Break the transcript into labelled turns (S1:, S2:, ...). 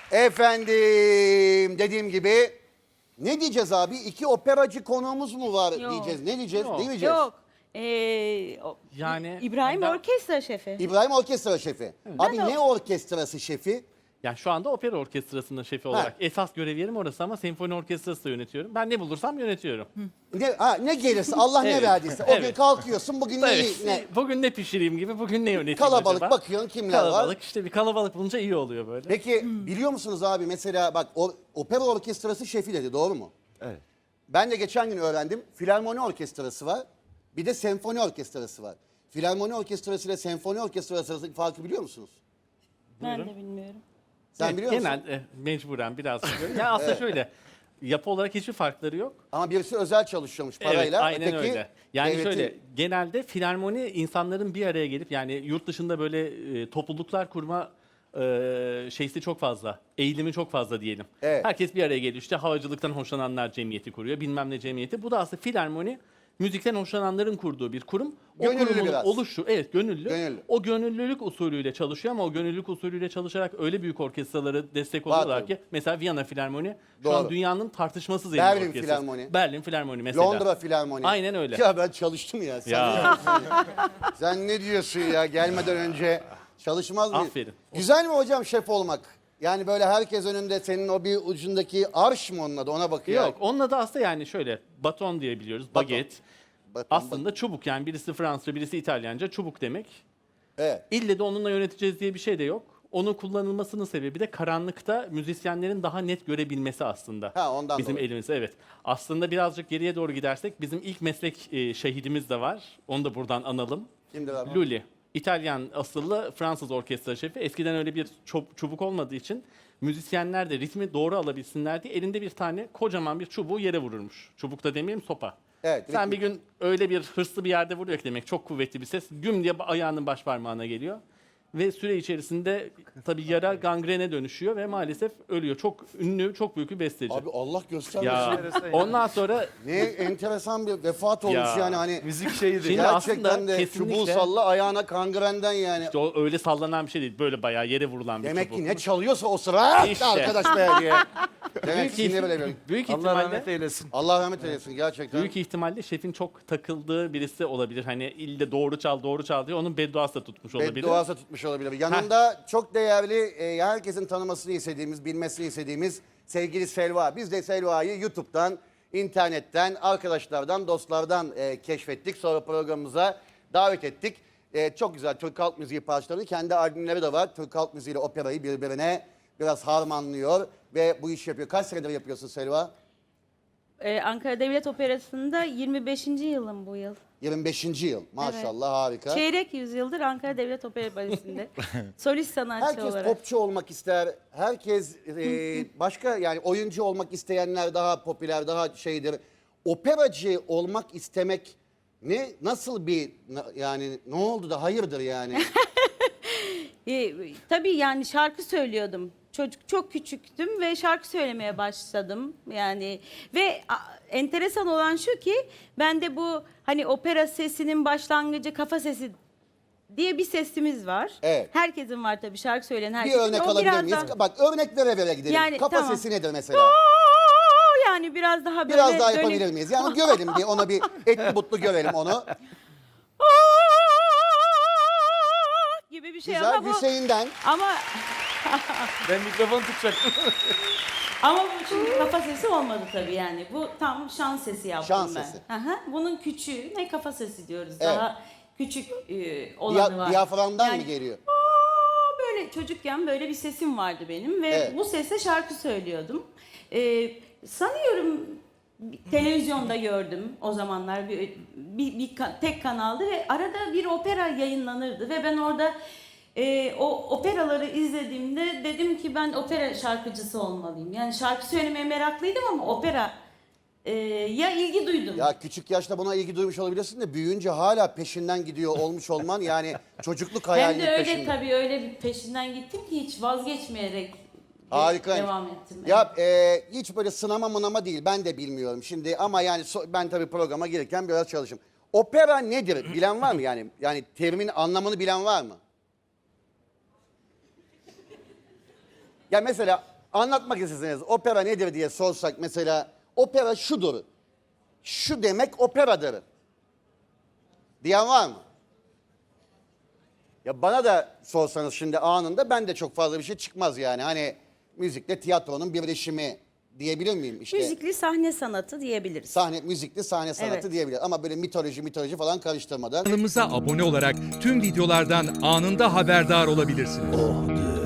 S1: Efendim dediğim gibi ne diyeceğiz abi? İki operacı konuğumuz mu var
S2: Yok.
S1: diyeceğiz. Ne diyeceğiz?
S3: Yok.
S1: Ne diyeceğiz?
S2: Yok.
S3: Yani
S2: İbrahim
S3: ben-
S2: orkestra şefi.
S1: İbrahim orkestra şefi. Abi
S2: Ben de-
S1: ne orkestrası şefi?
S3: Yani şu anda opera orkestrasının şefi olarak esas görev yerim orası ama senfoni orkestrası da yönetiyorum. Ben ne bulursam yönetiyorum.
S1: Ne gelirse Allah ne
S3: Evet.
S1: verdiyse. O gün
S3: Evet.
S1: kalkıyorsun bugün
S3: Evet.
S1: ne?
S3: Bugün ne pişireyim gibi, bugün ne yöneteyim
S1: Kalabalık
S3: acaba?
S1: bakıyorsun kimler var.
S3: Kalabalık işte bir kalabalık bulunca iyi oluyor böyle.
S1: Peki biliyor musunuz abi mesela bak opera orkestrası şefi dedi doğru mu?
S4: Evet.
S1: Ben de geçen gün öğrendim. Filarmoni orkestrası var. Bir de senfoni orkestrası var. Filarmoni orkestrası ile senfoni orkestrası arasındaki farkı biliyor musunuz?
S2: Ben de bilmiyorum.
S1: Sen
S3: Evet,
S1: biliyor musun?
S3: genel mecburen biraz biliyorum. Yani aslında şöyle yapı olarak hiçbir farkları yok.
S1: Ama birisi özel çalışıyormuş parayla.
S3: Evet, aynen
S1: öteki
S3: öyle. Yani
S1: devletin-
S3: şöyle genelde filarmoni insanların bir araya gelip yani yurt dışında böyle topluluklar kurma şeysi çok fazla. Eğilimi çok fazla diyelim.
S1: Evet.
S3: Herkes bir araya geliyor. İşte havacılıktan hoşlananlar cemiyeti kuruyor. Bilmem ne cemiyeti. Bu da aslında filarmoni müzikten hoşlananların kurduğu bir kurum. O
S1: Gönüllü
S3: kurumun
S1: biraz.
S3: oluşu, evet gönüllü.
S1: Gönüllü.
S3: O gönüllülük usulüyle çalışıyor ama o gönüllülük usulüyle çalışarak öyle büyük orkestraları destek
S1: Var
S3: oluyorlar
S1: tabii.
S3: ki mesela Viyana Filarmoni şu
S1: Doğru.
S3: an dünyanın tartışmasız en iyi
S1: Berlin
S3: orkestrası.
S1: Filarmoni.
S3: Berlin Filarmoni mesela.
S1: Londra Filarmoni.
S3: Aynen öyle.
S1: Ya ben çalıştım ya. Sen,
S3: Ya.
S1: ne diyorsun ya? Sen ne diyorsun ya gelmeden önce çalışmaz mıyım?
S3: Aferin.
S1: Güzel mi hocam şef olmak? Yani böyle herkes önünde senin o bir ucundaki arş mı onun adı ona bakıyor.
S3: Yok, onunla da aslında yani şöyle baton diye biliyoruz, baget. Aslında çubuk yani birisi Fransızca, birisi İtalyanca çubuk demek.
S1: Evet.
S3: İlle de onunla yöneteceğiz diye bir şey de yok. Onun kullanılmasının sebebi de karanlıkta müzisyenlerin daha net görebilmesi aslında.
S1: Ha, ondan
S3: bizim
S1: dolayı.
S3: elimizde evet. Aslında birazcık geriye doğru gidersek bizim ilk meslek şehidimiz de var. Onu da buradan analım.
S1: Kimdir abi?
S3: Lully. İtalyan asıllı Fransız orkestra şefi. Eskiden öyle bir çubuk olmadığı için müzisyenler de ritmi doğru alabilsinler diye elinde bir tane kocaman bir çubuğu yere vururmuş. Çubuk da demeyelim sopa.
S1: Evet,
S3: Sen
S1: ritmi-
S3: bir gün öyle bir hırslı bir yerde vuruyor ki demek çok kuvvetli bir ses. Güm diye ayağının baş parmağına geliyor. Ve süre içerisinde tabii yara gangrene dönüşüyor ve maalesef ölüyor. Çok ünlü, çok büyük bir besteci.
S1: Abi Allah göstermesin.
S3: ya ondan sonra
S1: Ne enteresan bir vefat olmuş
S3: Ya.
S1: yani hani.
S4: Müzik şeyidir.
S3: Şimdi
S1: Gerçekten
S3: aslında
S1: de
S3: kesinlikle-
S1: çubuğu salla ayağına kangrenden yani.
S3: işte o öyle sallanan bir şey değil. Böyle bayağı yere vurulan bir
S1: Demek
S3: çubuk.
S1: ki ne çalıyorsa o sıra
S3: İşte.
S1: arkadaş be diye. Demek
S3: Büyük,
S1: ki ne böyle bir.
S3: büyük
S4: Allah
S3: ihtimalle
S4: rahmet eylesin.
S1: Allah rahmet eylesin gerçekten.
S3: büyük ihtimalle şefin çok takıldığı birisi olabilir. Hani ille doğru çal doğru çal diye onun bedduası da tutmuş olabilir.
S1: Bedduası tutmuş olabilir. Yanında çok değerli, herkesin tanımasını istediğimiz, bilmesini istediğimiz sevgili Selva. Biz de Selva'yı YouTube'dan, internetten, arkadaşlardan, dostlardan keşfettik. Sonra programımıza davet ettik. Çok güzel Türk halk müziği parçaları. Kendi albümleri de var. Türk halk müziği ile operayı birbirine biraz harmanlıyor ve bu iş yapıyor. Kaç senedir yapıyorsun Selva?
S2: Ankara Devlet Operası'nda 25. yılım bu yıl.
S1: 25. yıl. Maşallah harika.
S2: Çeyrek yüzyıldır Ankara Devlet Opera Balesi'nde. Solist sanatçı
S1: Herkes
S2: olarak.
S1: popçu olmak ister. Herkes başka yani oyuncu olmak isteyenler daha popüler, daha şeydir. Operacı olmak istemek nasıl bir yani ne oldu da hayırdır yani?
S2: Tabii yani şarkı söylüyordum. Çok küçüktüm ve şarkı söylemeye başladım. Yani ve enteresan olan şu ki bende bu hani opera sesinin başlangıcı kafa sesi diye bir sesimiz var.
S1: Evet.
S2: Herkesin var tabii şarkı söyleyen
S1: Bir
S2: herkesin.
S1: örnek
S2: O
S1: alabilir
S2: biraz
S1: miyiz?
S2: daha-
S1: Bak örnek vere gidelim.
S2: Yani,
S1: Kafa
S2: tamam.
S1: sesi nedir mesela?
S2: Yani biraz daha böyle
S1: Biraz daha
S2: dönük-
S1: yapabilir miyiz? Yani görelim bir ona bir etli butlu görelim onu.
S2: gibi bir şey
S1: Güzel
S2: ama bu
S1: Hüseyin'den.
S2: ama
S4: Ben mikrofonu tutacaktım.
S2: ama bu şimdi kafa sesi olmadı tabii yani. Bu tam şan sesi yaptım
S1: Şan
S2: ben.
S1: sesi.
S2: Aha, bunun küçüğü ne kafa sesi diyoruz.
S1: Evet.
S2: Daha küçük olanı var.
S1: Diyaframdan
S2: Yani,
S1: mı geliyor?
S2: böyle çocukken böyle bir sesim vardı benim ve
S1: Evet.
S2: bu sesle şarkı söylüyordum. Sanıyorum televizyonda gördüm o zamanlar tek kanaldı ve arada bir opera yayınlanırdı ve ben orada o operaları izlediğimde dedim ki ben opera şarkıcısı olmalıyım. Yani şarkı söylemeye meraklıydım ama opera ya ilgi duydum.
S1: Ya küçük yaşta buna ilgi duymuş olabilirsin de büyüyünce hala peşinden gidiyor olmuş olman yani çocukluk
S2: Hem
S1: hayalinin
S2: de öyle
S1: peşinde.
S2: tabii öyle bir peşinden gittim ki hiç vazgeçmeyerek
S1: Harika.
S2: devam ettim.
S1: Ya hiç böyle sınama değil ben de bilmiyorum şimdi ama yani ben tabii programa gelirken biraz çalışım. Opera nedir bilen var mı yani? Yani terimin anlamını bilen var mı? Ya mesela Anlatmak isteseniz opera nedir diye sorsak mesela, opera şudur. Şu demek operadır diyen var mı? Ya bana da sorsanız şimdi anında ben de çok fazla bir şey çıkmaz yani. Hani müzikle tiyatronun birleşimi diyebilir miyim? İşte
S2: Müzikli sahne sanatı diyebiliriz.
S1: müzikli sahne sanatı
S2: Evet.
S1: diyebilir. Ama böyle mitoloji falan karıştırmadan.
S5: Kanalımıza abone olarak tüm videolardan anında haberdar olabilirsiniz.